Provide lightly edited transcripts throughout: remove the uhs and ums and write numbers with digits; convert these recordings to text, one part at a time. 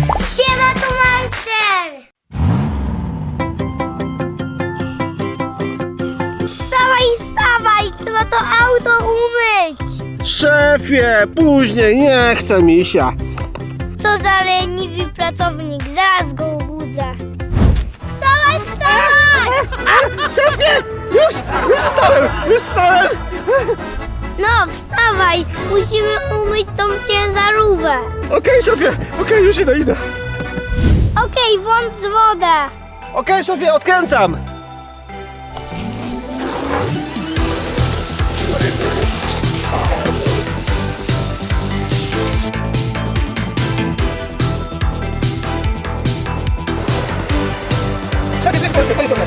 Siema, tu Marcel! Wstawaj, wstawaj! Trzeba to auto umyć! Szefie, później, nie chcę misia. Co za leniwy pracownik, zaraz go obudzę. Wstawaj, wstawaj! Szefie, już wstałem. No, wstawaj! Musimy umyć tą ciężarówkę. Okej, szefie, już idę. Okej, włącz wodę. Okej, szefie, odkręcam. Szefie, to jest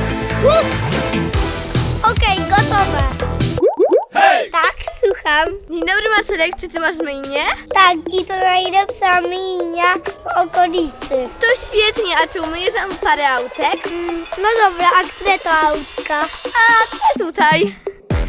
Okej, gotowe. Hej! Tak, słucham. Dzień dobry, Marcelek, czy ty masz myjnię? Tak, i to najlepsza myjnia w okolicy. To świetnie, a czy umyjesz nam parę autek? No dobra, a które to autka? A te tutaj.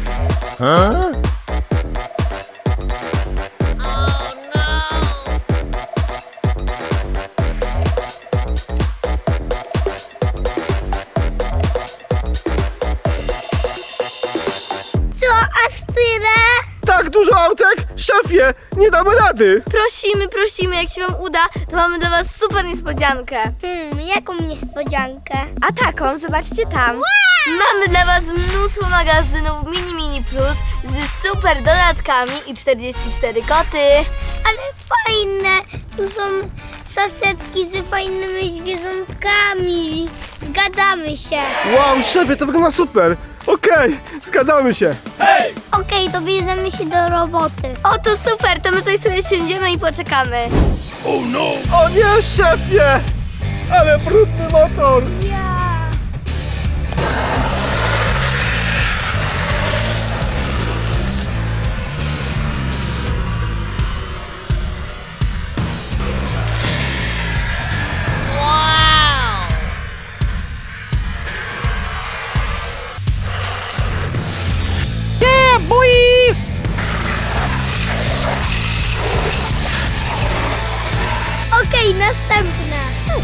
Co, aż tyle? Tak dużo autek? Szefie, nie damy rady. Prosimy, jak się wam uda, to mamy dla was super niespodziankę. Jaką niespodziankę? A taką, zobaczcie tam. Mamy dla was mnóstwo magazynów Mini Plus z super dodatkami i 44 koty. Ale fajne, tu są sasetki z fajnymi zwierzątkami. Zgadzamy się. Wow, szefie, to wygląda super. Okej, zgadzamy się. Hej! Okej, to bierzemy się do roboty. O, to super, to my tutaj sobie siądziemy i poczekamy. Oh no! O nie, szefie, ale brudny motor. Ja. Okej, następna.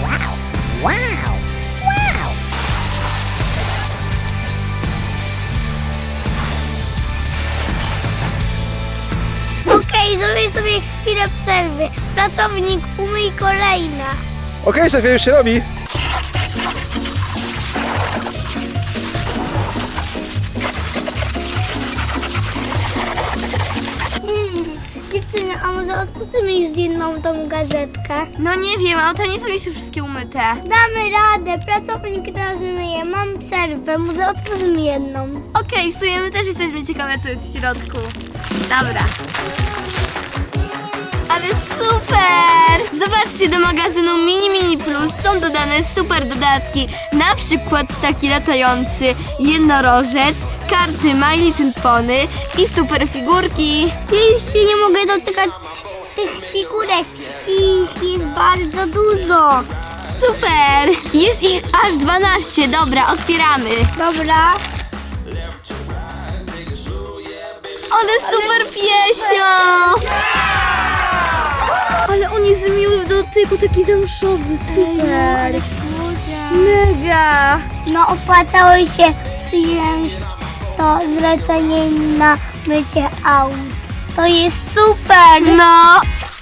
Okej, zrobię sobie chwilę przerwy. Pracownik, umyj kolejna. Okej, szefie, już się robi. Dziewczyny, a może odpuścimy już jedną tą gazetkę? No nie wiem, auta nie są jeszcze wszystkie umyte. Damy radę, pracownik teraz myje, mam przerwę, może otworzymy jedną. Okej, w sumie my też jesteśmy ciekawe, co jest w środku. Dobra. Ale super! Zobaczcie, do magazynu Mini Plus są dodane super dodatki. Na przykład taki latający jednorożec, karty My Little Pony i super figurki. Ja już się nie mogę dotykać tych figurek, ich jest bardzo dużo. Super! Jest ich aż 12. Dobra, otwieramy. Dobra. Ale super piesio! Ale on jest miły w dotyku, taki zamszowy, super. Ale słodzia. Mega! No opłacało się przyjąć to zlecenie na mycie aut. To jest super! No!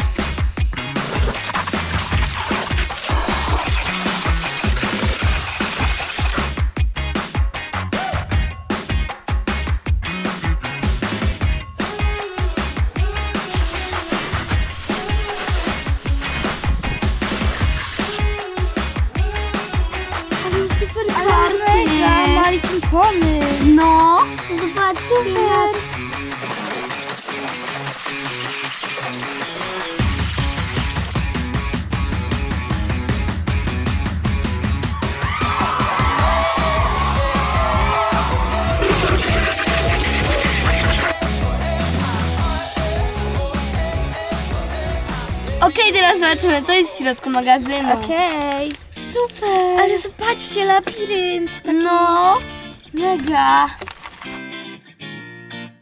Ale super karty! Ma Little Pony. No! Zobaczcie na Okej, teraz zobaczymy, co jest w środku magazynu. Okej. Super! Ale zobaczcie, labirynt. Taki... No! Mega!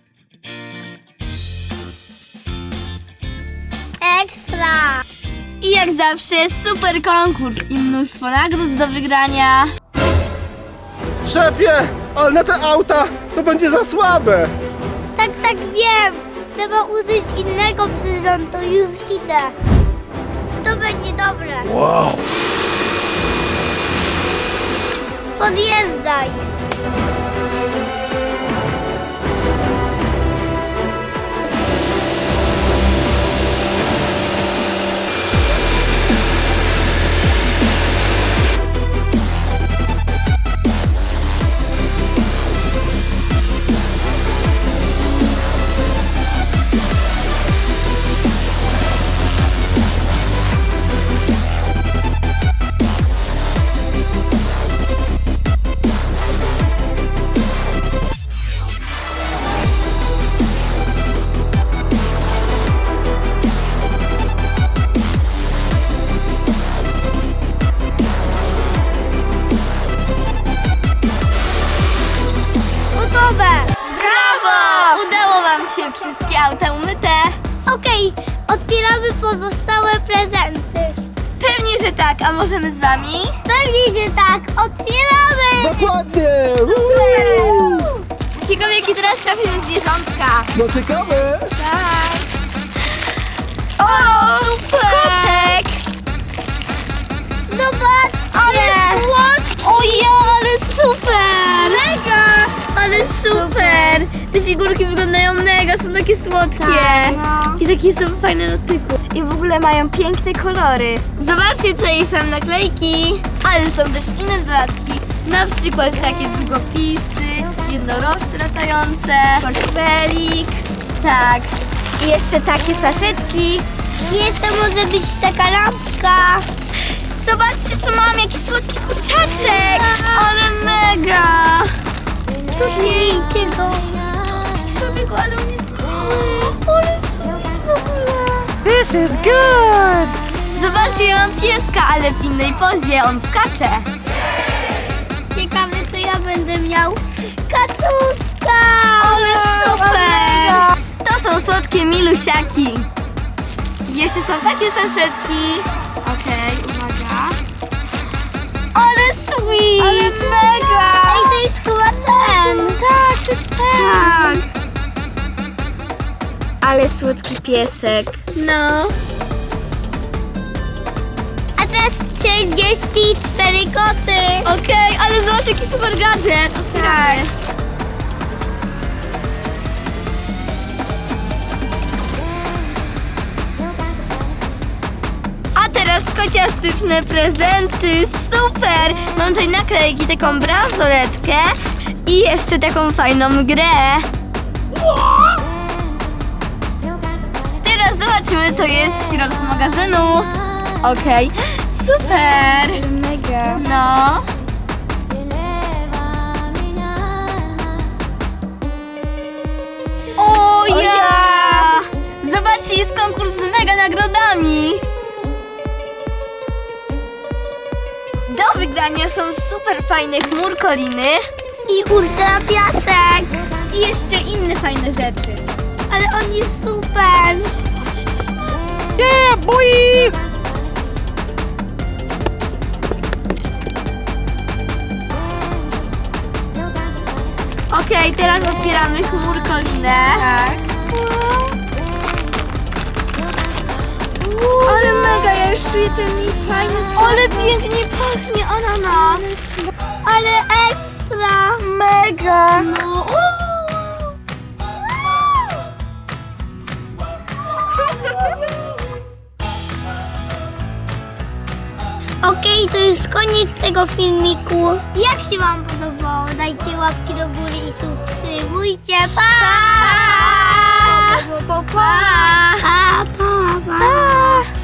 Ekstra. I Jak zawsze super konkurs i mnóstwo nagród do wygrania. Szefie, ale na te auta to będzie za słabe. Tak, wiem. Trzeba użyć innego przyrządu. Już idę. To będzie dobre. Wow. Podjeżdżaj. Gotowe. Brawo! Udało wam się, wszystkie auta umyte. Okej, otwieramy pozostałe prezenty. Pewnie, że tak, a możemy z wami? Pewnie, że tak. Otwieramy. Dokładnie. Ciekawe, jakie teraz trafimy zwierzątka. No ciekawe. Tak. O, super! Zobaczcie. Ale słodkie! O ja, ale super! Mega! Ale super! Te figurki wyglądają mega, są takie słodkie. Tak, no. I takie są fajne na dotyku. I w ogóle mają piękne kolory. Zobaczcie, tutaj są naklejki, ale są też inne dodatki. Na przykład takie długopisy, jednorożce latające, portfelik. Tak. I jeszcze takie saszetki. Jest to może być taka lampka. Zobaczcie, co mam, jaki słodki kurczaczek! Ale mega! Miejcie go. Sobie go, ale on jest mały. Ale słodki w ogóle. This is good. Zobaczcie, ja mam pieska, ale w innej pozie, on skacze. Ciekawe, co ja będę miał. Kacuska. Ale super! To są słodkie milusiaki. Jeszcze są takie saszetki. Okej, uwaga. Ale sweet! Ale mega! Ej, to jest chyba ten. Tak, to jest ten. Tak. Ale słodki piesek. No. A teraz 44 koty. Okej, ale zobacz, jaki super gadżet. Otwieramy. A teraz kociastyczne prezenty. Super! Mam tutaj naklejki, taką bransoletkę i jeszcze taką fajną grę. Teraz zobaczymy, co jest w środku magazynu. Okej, super! Mega. No. O ja! Zobaczcie, jest konkurs z mega nagrodami. Do wygrania są super fajne chmurkoliny I ultra piasek. i jeszcze inne fajne rzeczy. Ale on jest super. Yeah, boy. Okej, teraz otwieramy chmurkolinę. Tak. Ale mega, ja już czuję ten fajny smak. Ale pięknie pachnie ananas. Ale ekstra. Mega. No. Okej, to już koniec tego filmiku. Jak się wam podobało? Dajcie łapki do góry i subskrybujcie. Pa! Pa! Pa! Pa, pa, pa.